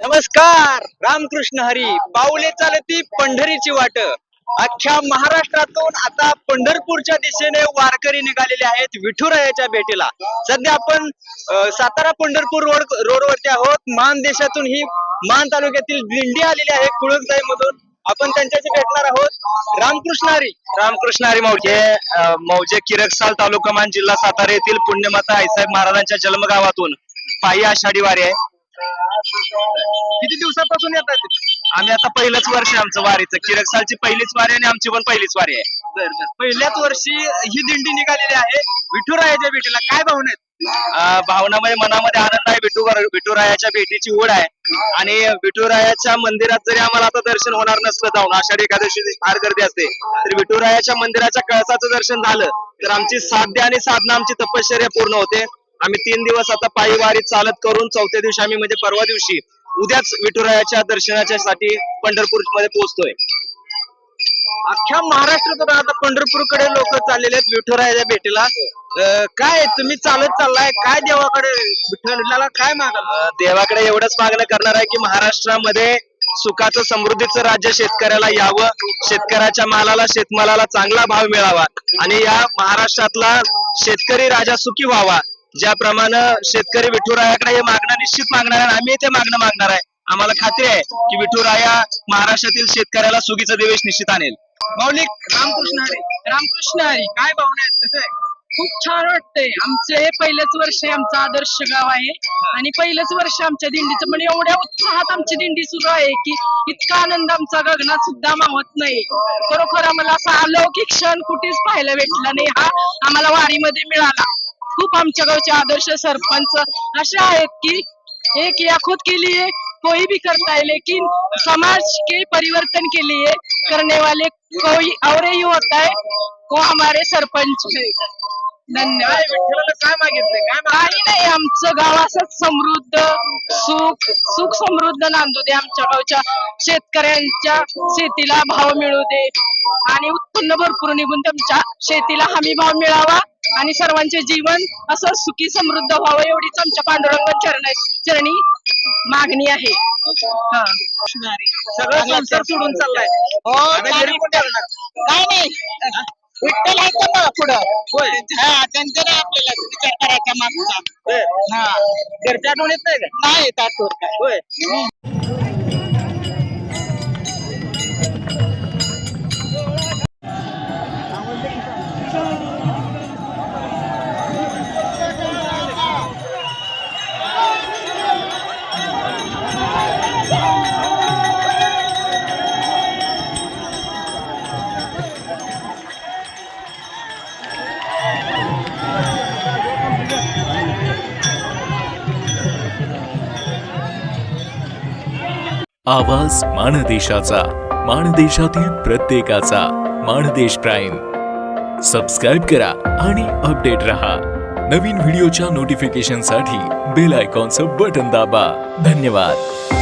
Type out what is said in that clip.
नमस्कार. रामकृष्ण हरी. पाऊले चालती पंढरीची वाट. अख्ख्या महाराष्ट्रातून आता पंढरपूरच्या दिशेने वारकरी निघालेले आहेत विठुरायाच्या भेटीला. सध्या आपण सातारा पंढरपूर रोडवरती आहोत. मान देशातून ही मान तालुक्यातील दिंडी आलेली आहे कुळकजाई मधून. आपण त्यांच्याशी भेटणार आहोत. रामकृष्ण हरी. रामकृष्ण हरी. मौजे किरकसाल तालुका मान जिल्हा सातारा येथील पुण्यमाता आईसाहेब महाराजांच्या जन्मगावातून पायी आषाढी वारी आहे. किती दिवसापासून येतात? आम्ही आता पहिलंच वर्ष आमचं वारीचं. किरकसालची पहिलीच वारी आणि आमची पण पहिलीच वारी आहे. पहिल्याच वर्षी ही दिंडी निघालेली आहे विठुरायाच्या भेटीला. काय भावना आहेत? भावनामध्ये मनामध्ये आनंद आहे. विठुरायाच्या भेटीची ओढ आहे आणि विठुरायाच्या मंदिरात जरी आम्हाला आता दर्शन होणार नसलं जाऊन, आषाढी एकादशी फार गर्दी असते, तर विठुरायाच्या मंदिराच्या कळसाचं दर्शन झालं तर आमची साध्य आणि साधना, आमची तपश्चर्या पूर्ण होते. आम्ही 3 दिवस आता पायी वारी चालत करून चौथ्या दिवशी आम्ही म्हणजे परवा दिवशी उद्याच विठुरायाच्या दर्शनाच्या साठी पंढरपूर मध्ये पोहोचतोय. अख्ख्या महाराष्ट्रातून आता पंढरपूरकडे लोक चाललेले आहेत विठुरायाच्या भेटीला. काय तुम्ही चालत चाललाय, काय देवाकडे विठ्ठलाला काय मागाल? देवाकडे एवढंच मागणं करणार आहे की महाराष्ट्रामध्ये सुखाचं समृद्धीचं राज्य शेतकऱ्याला यावं, शेतकऱ्याच्या मालाला शेतमालाला चांगला भाव मिळावा आणि या महाराष्ट्रातला शेतकरी राजा सुखी व्हावा. ज्याप्रमाणे शेतकरी विठुरायाकडे हे मागणं निश्चित मागणार आहे. आम्ही ते मागणं मागणार आहे. आम्हाला खात्री आहे की विठुराया महाराष्ट्रातील शेतकऱ्याला सुगीचा दिवस निश्चित आणेल. मौलिक. रामकृष्ण हरी. रामकृष्ण हरी. काय भावना आहेत? कसं आहे? खूप छान वाटतंय. आमचं हे पहिलंच वर्ष आहे, आमचं आदर्श गाव आहे आणि पहिलंच वर्ष आमच्या दिंडीचं. म्हणजे एवढ्या उत्साहात आमची दिंडी सुरू आहे की इतका आनंद आमचा गगनात सुद्धा मावत नाही. खरोखर आम्हाला असा अलौकिक क्षण कुठेच पाहायला भेटला नाही, हा आम्हाला वारीमध्ये मिळाला. खूप आमच्या गावचे आदर्श सरपंच असे आहेत की एक या खुद के लिए कोई भी करता है लेकिन समाज के परिवर्तन के लिए करने वाले कोई और ही होता है, वो हमारे सरपंच है. धन्यवाद. विठ्ठलाला काय मागितलंय? काय काही नाही, आमचं गाव असंच समृद्ध, सुख समृद्ध नांदू दे. आमच्या गावच्या शेतकऱ्यांच्या शेतीला भाव मिळू दे आणि उत्पन्न भरपूर निघून त्यांच्या शेतीला हमी भाव मिळावा आणि सर्वांचे जीवन असं सुखी समृद्ध व्हावं, एवढीच आमच्या पांडुरंग चरणी मागणी आहे. सगळं संसार सोडून चाललाय? काय नाही, विठ्ठल आहे का पुढं? होय. त्यांचं नाही आपल्याला विचार करायचा मागचा. घरच्या आठवण येत नाही का? नाही येत आठवण काय. होय. आवाज माणदेशाचा, माणदेशातील प्रत्येकाचा. माणदेश प्राईम सबस्क्राईब करा आणि अपडेट रहा. नवीन व्हिडिओच्या नोटिफिकेशनसाठी बेल आयकॉनचं बटन दाबा. धन्यवाद.